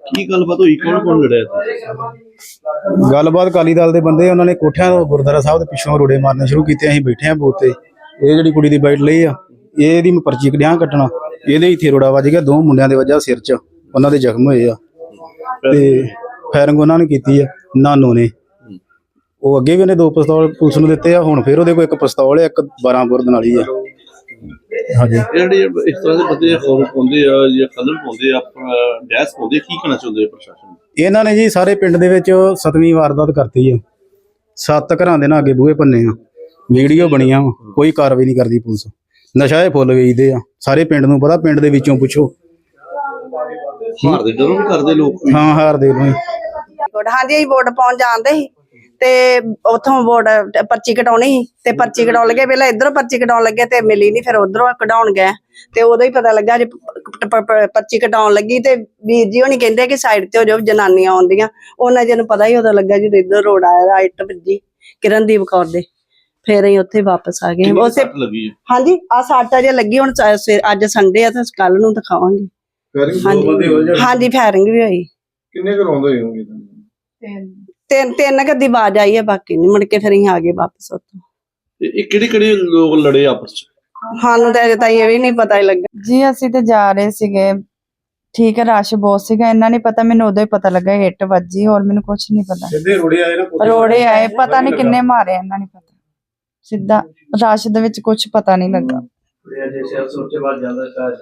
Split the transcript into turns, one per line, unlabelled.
ਕੀ ਗੱਲਬਾਤ ਹੋਈ, ਕੌਣ ਕੌਣ ਲੜਿਆ ਇੱਥੇ?
ਗੱਲਬਾਤ ਅਕਾਲੀ ਦਲ ਦੇ ਬੰਦੇ ਉਹਨਾਂ ਨੇ ਕੋਠਿਆਂ ਤੋਂ ਗੁਰਦੁਆਰਾ ਸਾਹਿਬ ਦੇ ਪਿੱਛੋਂ ਰੋੜੇ ਮਾਰਨੇ ਸ਼ੁਰੂ ਕੀਤੇ। ਅਸੀਂ ਬੈਠੇ ਆਂ ਬੂਥ ਤੇ, ਇਹ ਜਿਹੜੀ ਕੁੜੀ ਦੀ ਬਾਈਟ ਲਈ ਆ ਇਹਦੀ ਮੈਂ ਪਰਚੀ ਕਢਿਆ ਕੱਟਣਾ, ਇਹਦੇ ਇੱਥੇ ਰੋੜਾ ਵੱਜ ਗਿਆ, 2 ਮੁੰਡਿਆਂ ਦੇ ਵੱਜਾ ਸਿਰ 'ਚ, ਉਹਨਾਂ ਦੇ ਜ਼ਖਮ ਹੋਏ ਆ ਤੇ ਫਾਇਰਿੰਗ ਉਹਨਾਂ ਨੇ ਕੀਤੀ ਆ ਨਾਨੋ ਨੇ। ਉਹ ਅੱਗੇ ਵੀ ਉਹਨੇ 2 ਪਿਸਤੌਲ ਪੁਲਿਸ ਨੂੰ ਦਿੱਤੇ ਆ, ਹੁਣ ਫਿਰ ਉਹਦੇ ਕੋਲ 1 ਪਿਸਤੌਲ ਹੈ, 1 12 ਬੋਰ ਨਾਲੀ ਆ। ਹਾਂਜੀ,
ਜਿਹੜੇ ਇਸ ਤਰ੍ਹਾਂ ਦੇ ਬੰਦੇ ਖੌਫ ਪਾਉਂਦੇ ਆ ਜਾਂ ਕਲਰ ਪਾਉਂਦੇ ਆ, ਡੈਸ ਪਾਉਂਦੇ, ਕੀ ਕਹਿਣਾ ਚਾਹੁੰਦੇ ਪ੍ਰਸ਼ਾਸਨ ਨੂੰ?
ਇਹਨਾਂ ਨੇ ਜੀ ਸਾਰੇ ਪਿੰਡ ਦੇ ਵਿੱਚ 7ਵੀਂ ਵਾਰਦਾਤ ਕਰਤੀ ਆ। 7 ਘਰਾਂ ਦੇ ਨਾਲ ਅੱਗੇ ਬੂਹੇ ਭੰਨੇ ਆ, ਵੀਡੀਓ ਬਣੀਆਂ, ਕੋਈ ਕਾਰਵਾਈ ਨਹੀਂ ਕਰਦੀ ਪੁਲਿਸ। ਨਸ਼ਾ ਇਹ ਫੁੱਲ ਵੇਚਦੇ ਆ, ਸਾਰੇ ਪਿੰਡ ਨੂੰ ਪਤਾ, ਪਿੰਡ ਦੇ ਵਿੱਚੋਂ ਪੁੱਛੋ।
ਹਾਰ ਦੇ ਡਰੋਂ ਵੀ ਕਰਦੇ ਲੋਕ?
ਹਾਂ, ਹਾਰ ਦੇ ਨੂੰ।
ਹਾਂਜੀ, ਅਸੀਂ ਵੋਟ ਪਾਉਣ ਜਾਂਦੇ ਸੀ ਤੇ ਉਥੋਂ ਵੋਟ ਪਰਚੀ ਕਟਾਉਣੀ ਸੀ ਤੇ ਪਰਚੀ ਕਟਾਉਣ ਲੱਗੇ, ਪਹਿਲਾਂ ਇਧਰੋਂ ਪਰਚੀ ਕਟਾਉਣ ਲੱਗੇ ਤੇ ਮਿਲੀ ਨੀ, ਫਿਰ ਉਧਰੋਂ ਕਢਾਉਣ ਗਏ ਤੇ ਉਦੋਂ ਹੀ ਪਤਾ ਲੱਗਾ ਜੇ ਪਰਚੀ ਕਟਾਉਣ ਲੱਗੀ ਤੇ ਵੀਰ ਜੀ ਹੋਣੀ ਕਹਿੰਦੇ ਕਿ ਸਾਈਡ ਤੇ ਹੋ ਜਾਓ, ਜਨਾਨੀਆਂ ਆਉਂਦੀਆਂ। ਉਹਨਾਂ ਜਿਹਨੂੰ ਪਤਾ ਹੀ ਉਦੋਂ ਲੱਗਾ ਜਦੋਂ ਇੱਧਰ ਰੋਡ ਆਇਆ, ਇੱਟ ਵੱਜੀ ਕਿਰਨਦੀਪ ਕੌਰ ਦੇ, ਫਿਰ ਅਸੀਂ ਉੱਥੇ ਵਾਪਸ ਆ ਗਏ। ਉਸੇ ਹਾਂਜੀ, ਆ 7 ਵਜੇ ਲੱਗੀ, ਹੁਣ ਅੱਜ ਸੰਡੇ ਆ ਤਾਂ ਕੱਲ ਨੂੰ ਦਿਖਾਵਾਂਗੇ। ਹਾਂਜੀ, ਫਾਇਰਿੰਗ ਵੀ ਹੋਈ।
ਕਿੰਨੇ ਕਰਾਉਂਦੇ ਹੋਣਗੇ?
ਤਿੰਨ ਗੱਦੀ ਆਵਾਜ਼ ਆਈ ਹੈ, ਬਾਕੀ ਨਹੀਂ। ਮੁੜ ਕੇ ਫਿਰ ਅਸੀਂ ਆ ਗਏ ਵਾਪਸ ਉੱਥੋਂ।
ਇਹ ਕਿਹੜੇ ਲੋਕ ਲੜੇ ਆਪਸ ਚ?
ਸਾਨੂੰ ਤਾਂ ਅਜੇ ਤਾਈਂ ਇਹ ਵੀ ਨਹੀਂ ਪਤਾ ਲੱਗਾ
ਜੀ। ਅਸੀਂ ਤੇ ਜਾ ਰਹੇ ਸੀਗੇ, ਠੀਕ ਹੈ, ਰਸ਼ ਬਹੁਤ ਸੀਗਾ, ਇਹਨਾਂ ਨੇ ਪਤਾ, ਮੈਨੂੰ ਉਦੋਂ ਹੀ ਪਤਾ ਲੱਗਾ ਇੱਟ ਵੱਜੀ, ਹੋਰ ਮੈਨੂੰ ਕੁਝ ਨਹੀਂ ਪਤਾ।
ਸਿੱਧੇ ਰੋੜੇ ਆਏ ਨਾ,
ਰੋੜੇ ਆਏ, ਪਤਾ ਨਹੀਂ ਕਿੰਨੇ ਮਾਰੇ, ਇਹਨਾਂ ਨੇ ਪਤਾ, ਸਿੱਧਾ ਰਸ਼ ਦੇ ਵਿੱਚ ਕੁਝ ਪਤਾ ਨਹੀਂ ਲੱਗਾ।